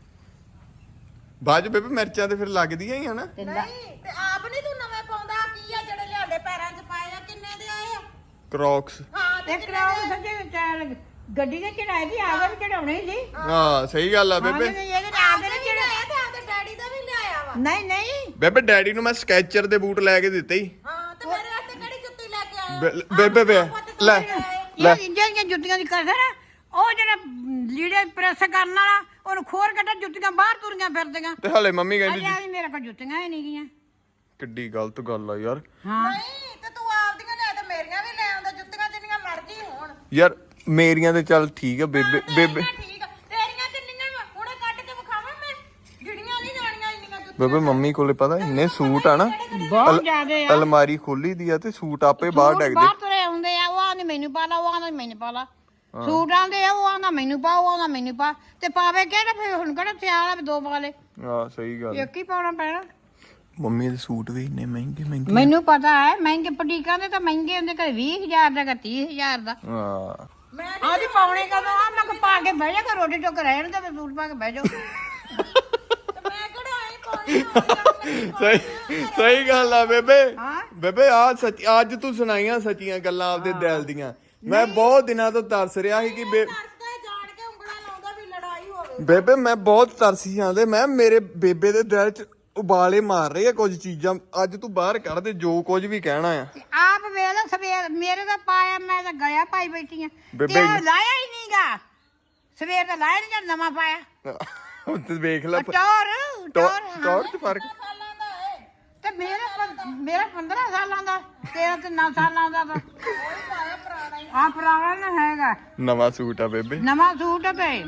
ਬਾਅਦ ਬੇਬੇ ਮਿਰਚਾਂ ਤੇ ਫਿਰ ਲੱਗਦੀਆਂ ਹੀ ਆ ਨਾ।
ਨਹੀਂ ਤੇ ਆਪ ਨਹੀਂ ਤੂੰ ਨਵੇਂ ਪਾਉਂਦਾ ਕੀ ਆ ਜਿਹੜੇ ਲਿਆਂਦੇ ਪੈਰਾਂ 'ਚ ਪਾਏ ਆ ਕਿੰਨੇ ਦੇ ਆਏ ਆ?
ਕ੍ਰੌਕਸ।
ਹਾਂ ਤੇ
ਤੇ ਕਰਾਓ ਸੱਜੇ ਚਾਲ ਗੱਡੀ ਦੇ ਚੜਾਏ ਦੀ ਆਗੇ ਵੀ ਚੜਾਉਣੇ ਸੀ।
ਹਾਂ ਸਹੀ ਗੱਲ ਆ ਬੇਬੇ।
ਇਹਦੇ ਆਗੇ
ਆਦੇ ਵੀ ਲਿਆਇਆ ਤੇ ਆਦੇ ਡੈਡੀ ਦਾ ਵੀ ਲਿਆਇਆ ਵਾ।
ਨਹੀਂ ਨਹੀਂ
ਬੇਬੇ ਡੈਡੀ ਨੂੰ ਮੈਂ ਸਕੈਚਰ ਦੇ ਬੂਟ ਲੈ ਕੇ ਦਿੱਤੇ ਹੀ।
ਹਾਂ ਤੇ ਮੇਰੇ ਵਾਸਤੇ ਕਿਹੜੀ ਜੁੱਤੀ ਲੈ ਕੇ ਆਇਆ?
ਬੇਬੇ ਲੈ ਲੈ
ਇਹ ਇੰਡੀਆਂ ਜੁੱਤੀਆਂ ਦੀ ਕਸਰ ਆ। ਉਹ ਜਿਹੜਾ ਲੀੜੇ ਪ੍ਰੈਸ ਕਰਨ ਵਾਲਾ ਉਹਨੂੰ ਖੋਰ ਕੱਢ ਜੁੱਤੀਆਂ ਬਾਹਰ ਤੁਰੀਆਂ ਫਿਰਦੀਆਂ।
ਤੇ ਹਲੇ ਮੰਮੀ ਕਹਿੰਦੀ
ਅਜਾ ਵੀ ਮੇਰੇ ਕੋਲ ਜੁੱਤੀਆਂ ਹੀ ਨਹੀਂ ਗਈਆਂ।
ਕਿੱਡੀ ਗਲਤ ਗੱਲ ਆ ਯਾਰ।
ਹਾਂ
ਨਹੀਂ ਤੇ ਤੂੰ ਆਪਦੀਆਂ ਲੈ ਤੇ ਮੇਰੀਆਂ ਵੀ ਲੈ ਆਉਂਦਾ ਜੁੱਤੀਆਂ ਜਿੰਨੀਆਂ ਮਰਜ਼ੀ ਹੋਣ।
ਯਾਰ ਮੇਰੀਆਂ ਤੇ ਚੱਲ ਠੀਕ ਆ ਬੇਬੇ ਬੇਬੇ
ਠੀਕ ਆ ਤੇਰੀਆਂ ਕਿੰਨੀਆਂ ਵਾ ਹੁਣੇ ਕੱਢ ਕੇ ਵਿਖਾਵਾਂ ਮੈਂ ਗਿਣੀਆਂ ਨਹੀਂ ਜਾਣੀਆਂ ਇੰਨੀਆਂ ਜੁੱਤੀਆਂ।
ਬੇਬੇ ਮੰਮੀ ਕੋਲੇ ਪਤਾ ਇੰਨੇ ਸੂਟ ਆ ਨਾ
ਬਹੁਤ ਜ਼ਿਆਦੇ ਆ।
ਅਲਮਾਰੀ ਖੋਲੀ ਦੀ ਆ ਤੇ ਸੂਟ ਆਪੇ ਬਾਹਰ ਡਿੱਗਦੇ।
ਬਾਹਰ ਤੁਰੇ ਆਉਂਦੇ ਆ ਉਹ ਆਂਦੇ ਮੈਨੂੰ ਪਾ ਲਾ ਉਹ ਆਂਦਾ ਮੈਨੂੰ ਪਾ ਲਾ। ਸੂਟ ਆਂਦੇ ਆ ਉਹ ਆਂਦਾ ਮੈਨੂੰ ਪਾ ਉਹ ਆਂਦਾ ਮੈਨੂੰ ਪਾ ਤੇ ਪਾਵੇ ਕਿਹੜਾ ਫਿਰ ਹੁਣ ਕਿਹੜਾ ਸਿਆਲ ਆ ਵੀ ਦੋ ਪਾ ਲੈ।
ਹਾਂ ਸਹੀ ਗੱਲ।
ਇੱਕ ਹੀ ਪਾਉਣਾ ਪੈਣਾ।
ਮੰਮੀ ਦੇ ਸੂਟ ਵੀ ਇੰਨੇ ਮਹਿੰਗੇ
ਮੈਨੂੰ ਪਤਾ ਹੈ ਮਹਿੰਗੇ ਪਟੀਕਾਂ ਦੇ ਤਾਂ ਮਹਿੰਗੇ ਹੁੰਦੇ ਕਦੇ 20,000 ਦਾ ਕਦੇ 30,000 ਦਾ।
ਹਾਂ
ਮੈਂ
ਆਦੀ ਪਾਉਣੇ ਕਦੋਂ ਆ ਮੈਂ ਕਿਹਾ ਪਾ ਕੇ ਬਹਿ ਜਾ ਕਰ ਰੋਟੀ ਟੁੱਕ ਰਹਿਣ ਤੇ ਸੂਟ ਪਾ ਕੇ ਬਹਿ ਜਾਓ।
ਤੇ ਮੈਂ ਕਿਹੜਾ ਆਈ ਪਾਉਣੀ
ਸਹੀ ਗੱਲ ਆ ਬੇਬੇ।
ਹਾਂ
ਬੇਬੇ ਆ ਸੱਚ ਅੱਜ ਤੂੰ ਸੁਣਾਈਆਂ ਸੱਚੀਆਂ ਗੱਲਾਂ ਆਪਦੇ ਦਿਲ ਦੀਆਂ। ਮੈਂ ਬਹੁਤ ਦਿਨਾਂ ਤੋਂ ਤਰਸ ਰਿਹਾ ਸੀ ਕਿ
ਦੱਸਦਾ ਜਾਣ ਕੇ ਉਂਗਲਾਂ ਲਾਉਂਦਾ ਵੀ ਲੜਾਈ ਹੋਵੇ।
ਬੇਬੇ ਮੈਂ ਬਹੁਤ ਤਰਸੀ ਜਾਂਦੇ ਮੈਂ ਮੇਰੇ ਬੇਬੇ ਦੇ ਦਿਲ 'ਚ ਉਬਾਲੇ ਮਾਰ ਰਹੇ ਆ ਕੁਝ ਚੀਜ਼ਾਂ। ਅੱਜ ਤੂੰ ਬਾਹਰ ਕੱਢ ਦੇ ਜੋ ਕੁਝ ਵੀ ਕਹਿਣਾ ਆ।
ਆਪ ਵੇਲੇ ਸਵੇਰ ਮੇਰੇ ਦਾ ਪਾਇਆ ਮੈਂ ਤਾਂ ਗਿਆ ਪਾਈ ਬੈਠੀ ਆ
ਬੇਬੇ
ਤੇ ਲਾਇਆ ਹੀ ਨਹੀਂਗਾ ਸਵੇਰ ਦਾ ਲਾਇਆ ਨਹੀਂ ਜਦ ਨਵਾਂ ਪਾਇਆ।
ਤੇ ਵੇਖ ਲੈ
ਟੌਰ
ਚ ਫਰਕ।
ਸਾਲਾਂ ਦਾ ਏ
ਤੇ ਮੇਰਾ 15 ਸਾਲਾਂ ਦਾ ਤੇਰਾ ਤੇ 9 ਸਾਲਾਂ ਦਾ ਤਾਂ
ਉਹੀ ਪਾਇਆ ਪੁਰਾਣਾ ਹੀ।
ਆ ਪੁਰਾਣਾ ਨਾ ਹੈਗਾ
ਨਵਾਂ ਸੂਟ ਆ ਬੇਬੇ।
ਨਵਾਂ ਸੂਟ ਆ ਤੇ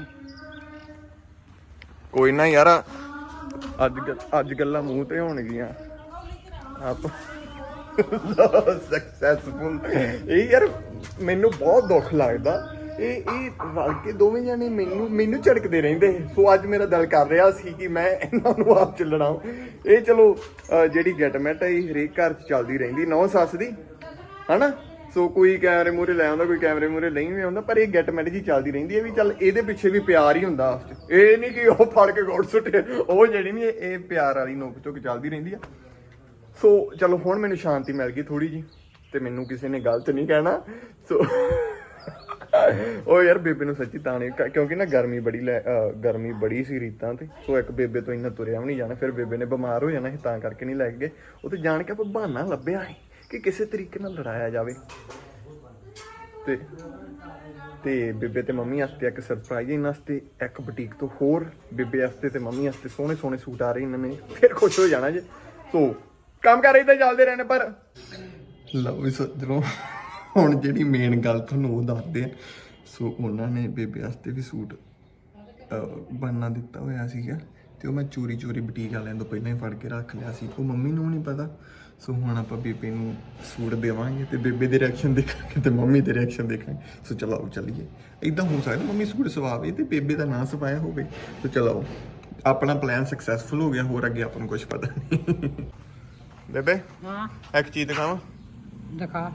ਕੋਈ ਨਾ ਯਾਰ ਅੱਜ ਗੱਲਾਂ ਮੂੰਹ ਤੇ ਹੋਣਗੀਆਂ ਆਪ ਸਕਸੈਸਫੁਲ। ਇਹ ਯਾਰ ਮੈਨੂੰ ਬਹੁਤ ਦੁੱਖ ਲੱਗਦਾ ਇਹ ਰਲ ਕੇ ਦੋਵੇਂ ਜਾਣੇ ਮੈਨੂੰ ਝੜਕਦੇ ਰਹਿੰਦੇ। ਸੋ ਅੱਜ ਮੇਰਾ ਦਿਲ ਕਰ ਰਿਹਾ ਸੀ ਕਿ ਮੈਂ ਇਹਨਾਂ ਨੂੰ ਆਪ ਚ ਲੜਾਂ। ਇਹ ਚਲੋ ਜਿਹੜੀ ਗੈਟਮੈਟ ਹੈ ਇਹ ਹਰੇਕ ਘਰ ਚ ਚੱਲਦੀ ਰਹਿੰਦੀ ਨੌ ਸੱਸ ਦੀ ਹਨਾ। ਸੋ ਕੋਈ ਕੈਮਰੇ ਮੂਹਰੇ ਲੈ ਆਉਂਦਾ ਕੋਈ ਕੈਮਰੇ ਮੂਹਰੇ ਨਹੀਂ ਵੀ ਆਉਂਦਾ ਪਰ ਇਹ ਗੈਟਮੈਟ ਜੀ ਚੱਲਦੀ ਰਹਿੰਦੀ ਹੈ ਵੀ ਚੱਲ ਇਹਦੇ ਪਿੱਛੇ ਵੀ ਪਿਆਰ ਹੀ ਹੁੰਦਾ ਆਪਸ ਚ। ਇਹ ਨਹੀਂ ਕਿ ਉਹ ਫੜ ਕੇ ਗੋੜ ਸੁੱਟੇ ਉਹ ਜਿਹੜੀ ਨਹੀਂ ਇਹ ਪਿਆਰ ਵਾਲੀ ਨੋਕ ਝੋਕ ਚੱਲਦੀ ਰਹਿੰਦੀ ਆ। ਸੋ ਚਲੋ ਹੁਣ ਮੈਨੂੰ ਸ਼ਾਂਤੀ ਮਿਲ ਗਈ ਥੋੜੀ ਜੀ ਤੇ ਮੈਨੂੰ ਕਿਸੇ ਨੇ ਗਲਤ ਨਹੀਂ ਕਹਿਣਾ। ਸੋ ਉਹ ਯਾਰ ਬੇਬੇ ਨੂੰ ਸੱਚੀ ਤਾਂ ਨਹੀਂ ਕਿਉਂਕਿ ਨਾ ਗਰਮੀ ਬੜੀ ਸੀ ਰੀਤਾਂ ਤੇ। ਸੋ ਇੱਕ ਬੇਬੇ ਤੋਂ ਇੰਨਾ ਤੁਰਿਆ ਵੀ ਨਹੀਂ ਜਾਣਾ ਫਿਰ ਬੇਬੇ ਨੇ ਬਿਮਾਰ ਹੋ ਜਾਣਾ ਸੀ ਤਾਂ ਕਰਕੇ ਨਹੀਂ ਲੈ ਗਏ। ਉਹ ਤੇ ਜਾਣ ਕੇ ਆਪਾਂ ਬਹਾਨਾ ਲੱਭਿਆ ਸੀ ਕਿ ਕਿਸੇ ਤਰੀਕੇ ਨਾਲ ਲੜਾਇਆ ਜਾਵੇ ਤੇ ਬੇਬੇ ਤੇ ਮੰਮੀ ਵਾਸਤੇ ਇੱਕ ਸਰਪ੍ਰਾਈਜ਼ ਇਹਨਾਂ ਵਾਸਤੇ ਇੱਕ ਬੁਟੀਕ ਤੋਂ ਹੋਰ ਬੇਬੇ ਵਾਸਤੇ ਤੇ ਮੰਮੀ ਵਾਸਤੇ ਸੋਹਣੇ ਸੋਹਣੇ ਸੂਟ ਆ ਰਹੇ ਇਹਨਾਂ ਨੇ ਫਿਰ ਖੁਸ਼ ਹੋ ਜਾਣਾ ਜੇ। ਸੋ ਕੰਮ ਕਰ ਇਦਾਂ ਚੱਲਦੇ ਰਹਿਣੇ ਪਰ ਲਓ ਵੀ ਸੱਜਣੋ ਹੁਣ ਜਿਹੜੀ ਮੇਨ ਗੱਲ ਤੁਹਾਨੂੰ ਉਹ ਦੱਸਦੇ ਆ। ਸੋ ਉਹਨਾਂ ਨੇ ਬੇਬੇ ਵਾਸਤੇ ਵੀ ਸੂਟ ਬਣਨਾ ਦਿੱਤਾ ਹੋਇਆ ਸੀਗਾ ਤੇ ਉਹ ਮੈਂ ਚੋਰੀ ਬੁਟੀਕ ਵਾਲਿਆਂ ਤੋਂ ਪਹਿਲਾਂ ਹੀ ਫੜ ਕੇ ਰੱਖ ਲਿਆ ਸੀ। ਉਹ ਮੰਮੀ ਨੂੰ ਨਹੀਂ ਪਤਾ। ਸੋ ਹੁਣ ਆਪਾਂ ਬੇਬੇ ਨੂੰ ਸੂਟ ਦੇਵਾਂਗੇ ਤੇ ਬੇਬੇ ਦੇ ਰਿਐਕਸ਼ਨ ਦੇਖਾਂਗੇ ਤੇ ਮੰਮੀ ਦੇ ਰਿਐਕਸ਼ਨ ਦੇਖਾਂਗੇ। ਸੋ ਚਲੋ ਚੱਲੀਏ। ਇਦਾਂ ਹੋ ਸਕਦਾ ਮੰਮੀ ਸੂਟ ਸਵਾਵੇ ਤੇ ਬੇਬੇ ਦਾ ਨਾਂ ਸਵਾਇਆ ਹੋਵੇ। ਸੋ ਚਲੋ ਆਪਣਾ ਪਲਾਨ ਸਕਸੈਸਫੁਲ ਹੋ ਗਿਆ। ਹੋਰ ਅੱਗੇ ਆਪਾਂ ਨੂੰ ਕੁਝ ਪਤਾ ਨਹੀਂ। ਬੇਬੇ
ਹਾਂ
ਇੱਕ ਚੀਜ਼ ਦਿਖਾਵਾਂ।
ਦਿਖਾ।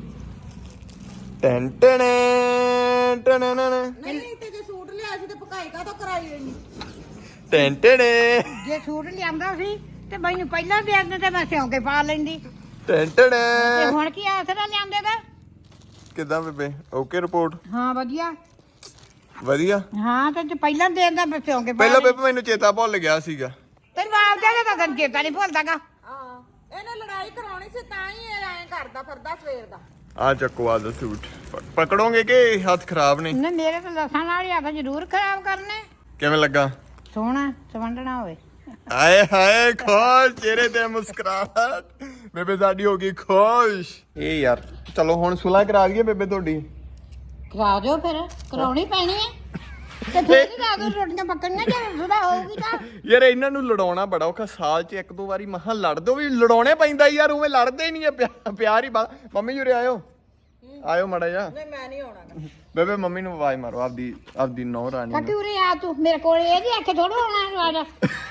ਟੈਨ ਟੈਨ ਟੈਨ
ਨਹੀਂ ਤੇ ਜੇ ਸੂਟ ਲਿਆ ਸੀ ਤੇ ਪਕਾਈ ਕਾ ਤੋਂ ਕਰਾਈ ਨਹੀਂ।
ਟੈਨ ਟੈਨ
ਜੇ ਸੂਟ ਲਿਆਂਦਾ ਸੀ ਤੇ ਮੈਨੂੰ ਪਹਿਲਾਂ ਦੇ ਦਿੰਦੇ ਤੇ ਮੈਂ ਸਿਉਂ ਕੇ ਪਾ ਲੈਂਦੀ।
ਟੈਨ ਟੈਨ
ਤੇ ਹੁਣ ਕੀ ਆਸਰਾ ਲਿਆਂਦੇ ਦਾ?
ਕਿੱਦਾਂ ਬੇਬੇ ਓਕੇ ਰਿਪੋਰਟ
ਹਾਂ ਵਧੀਆ
ਵਧੀਆ।
ਹਾਂ ਤੇ ਜੇ ਪਹਿਲਾਂ ਦੇ ਦਿੰਦਾ ਮੈਂ ਸਿਉਂ ਕੇ ਪਾ
ਪਹਿਲਾਂ ਬੇਬੇ ਮੈਨੂੰ ਚੇਤਾ ਭੁੱਲ ਗਿਆ ਸੀਗਾ।
ਤੈਨੂੰ ਆਪਦਾ ਤਾਂ ਤੈਨੂੰ ਚੇਤਾ ਨਹੀਂ ਭੁੱਲਦਾਗਾ।
ਹਾਂ ਇਹਨੇ ਲੜਾਈ ਕਰਾਉਣੀ ਸੀ ਤਾਂ ਹੀ ਇਹ ਐਂ ਕਰਦਾ ਫਿਰਦਾ ਸਵੇਰ ਦਾ।
ਆ ਚੱਕੋ ਆ ਦਾ ਸੂਟ ਪਕੜੋਗੇ ਕਿ ਹੱਥ ਖਰਾਬ ਨੇ?
ਨਹੀਂ ਮੇਰੇ ਤਾਂ ਲੱਸਾਂ ਨਾਲ ਹੀ ਹੱਥ ਜ਼ਰੂਰ ਖਰਾਬ ਕਰਨੇ।
ਕਿਵੇਂ ਲੱਗਾ?
ਸੋਹਣਾ ਸਵੰਡਣਾ ਹੋਵੇ।
ਆਏ ਹਾਏ ਖੁਸ਼ ਚਿਹਰੇ ਤੇ ਮੁਸਕਰਾਹਟ। ਬੇਬੇ ਸਾਡੀ ਹੋ ਗਈ ਖੁਸ਼। ਇਹ ਯਾਰ ਚਲੋ ਹੁਣ ਸੁਲਾ ਕਰਾ ਦਈਏ ਬੇਬੇ ਤੁਹਾਡੀ।
ਕਰਾ ਦਿਓ ਫਿਰ ਕਰਾਉਣੀ ਪੈਣੀ ਹੈ ਤੇ ਫਿਰ ਹੀ ਲਾ ਦੋ ਰੋਟੀਆਂ ਪੱਕਣੀਆਂ ਜੇ ਸੁਦਾ ਹੋਊਗੀ ਤਾਂ।
ਯਾਰ ਇਹਨਾਂ ਨੂੰ ਲੜਾਉਣਾ ਬੜਾ ਔਖਾ। ਸਾਲ 'ਚ ਇੱਕ ਦੋ ਵਾਰੀ ਮਹਾਂ ਲੜਦੇ ਵੀ ਲੜਾਉਣੇ ਪੈਂਦਾ ਯਾਰ। ਉਵੇਂ ਲੜਦੇ ਹੀ ਨਹੀਂ ਆ ਪਿਆਰ ਹੀ ਬਾਤ। ਮੰਮੀ ਜੁਰੇ ਆਇਓ ਮਾੜਾ ਜਾ।
ਨਹੀਂ ਮੈਂ ਨਹੀਂ ਆਉਣਾ।
ਬੇਬੇ ਮੰਮੀ ਨੂੰ ਆਵਾਜ਼ ਮਾਰੋ ਆਪਦੀ ਨੌ ਰਾਣੀ
ਕੱਟੀ ਉਰੇ ਆ ਤੂੰ ਮੇਰੇ ਕੋਲ ਇਹਦੀ ਅੱਖ ਥੋੜਾ ਆਉਣਾ ਆ ਜਾ।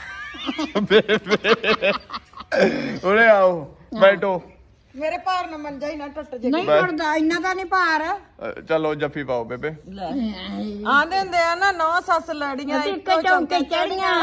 ਬੇਬੇ ਉਰੇ ਆਓ ਬੈਠੋ।
ਮੇਰੇ ਭਾਰ ਨਾ ਮੰਜਾ ਹੀ ਨਾ ਟੁੱਟ ਜੇ।
ਨਹੀਂ ਟੁੱਟਦਾ ਇੰਨਾ ਤਾਂ ਨਹੀਂ ਭਾਰ।
ਚਲੋ ਜੱਫੀ ਪਾਓ ਬੇਬੇ।
ਆਂਦੇ ਹੁੰਦੇ ਆ ਨਾ ਨੌ ਸੱਸ ਲੜੀਆਂ
ਇੱਕੋ ਚੌਂਕੇ ਚੜੀਆਂ।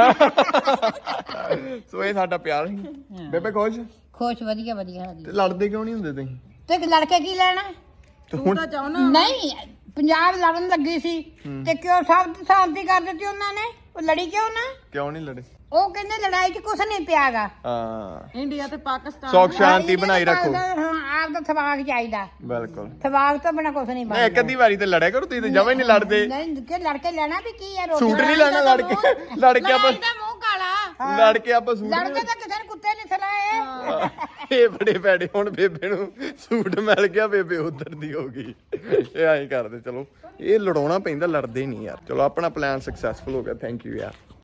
ਸੋ ਇਹ ਸਾਡਾ ਪਿਆਰ ਸੀ। ਬੇਬੇ ਖੁਸ਼
ਖੁਸ਼ ਵਧੀਆ ਵਧੀਆ
ਤੇ ਲੜਦੇ ਕਿਉਂ ਨਹੀਂ ਹੁੰਦੇ ਤੁਸੀਂ?
ਤੇ ਲੜਕੇ ਕੀ ਲੈਣਾ?
ਤੂੰ ਤਾਂ ਚਾਹਣਾ
ਨਹੀਂ ਪੰਜਾਬ ਲੜਨ ਲੱਗੀ ਸੀ ਤੇ ਕਿਉਂ ਸਭ ਸ਼ਾਂਤੀ ਕਰ ਦਿੱਤੀ ਉਹਨਾਂ ਨੇ? ਉਹ ਲੜੀ ਕਿਉਂ ਨਾ?
ਕਿਉਂ ਨਹੀਂ ਲੜੇ?
ਉਹ ਕਹਿੰਦੇ ਲੜਾਈ 'ਚ ਕੁਛ ਨਹੀਂ ਪਿਆਗਾ।
ਹਾਂ
ਇੰਡੀਆ ਤੇ ਪਾਕਿਸਤਾਨ
ਸੌਖ ਸ਼ਾਂਤੀ ਬਣਾਈ ਰੱਖੋ।
ਹਾਂ ਆਪ ਦਾ ਥਵਾਕ ਚਾਹੀਦਾ।
ਬਿਲਕੁਲ।
ਥਵਾਕ ਤੋਂ ਬਿਨਾ ਕੁਛ ਨਹੀਂ
ਨਹੀਂ ਇੱਕ ਅੱਧੀ ਵਾਰੀ ਤੇ ਲੜਿਆ ਕਰੋ। ਤੁਸੀਂ ਤੇ ਜਮਾਂ ਹੀ ਨਹੀਂ ਲੜਦੇ।
ਨਹੀਂ ਕਿ ਲੜ ਕੇ ਲੈਣਾ ਵੀ ਕੀ ਹੈ?
ਸੂਟ ਨਹੀਂ ਲੈਣਾ ਲੜ ਕੇ ਆਪਾਂ
ਇਹਦਾ ਮੂੰਹ ਕਾਲਾ।
ਲੜ ਕੇ ਆਪਾਂ ਸੂਟ
ਲੜਦੇ ਤਾਂ ਕਿਸੇ ਨੇ ਕੁੱਤੇ ਨਹੀਂ ਸਲਾਏ।
ਇਹ ਬੜੇ ਭੈੜੇ। ਹੁਣ ਬੇਬੇ ਨੂੰ ਸੂਟ ਮਿਲ ਗਿਆ ਬੇਬੇ ਉਧਰ ਦੀ ਹੋ ਗਈ। ਇਹ ਐਂ ਕਰਦੇ ਚਲੋ। ਇਹ ਲੜਾਉਣਾ ਪੈਂਦਾ ਲੜਦੇ ਨਹੀਂ ਯਾਰ। ਚਲੋ ਆਪਣਾ ਪਲਾਨ ਸਕਸੈਸਫੁਲ ਹੋ ਗਿਆ। ਥੈਂਕ ਯੂ ਯਾਰ।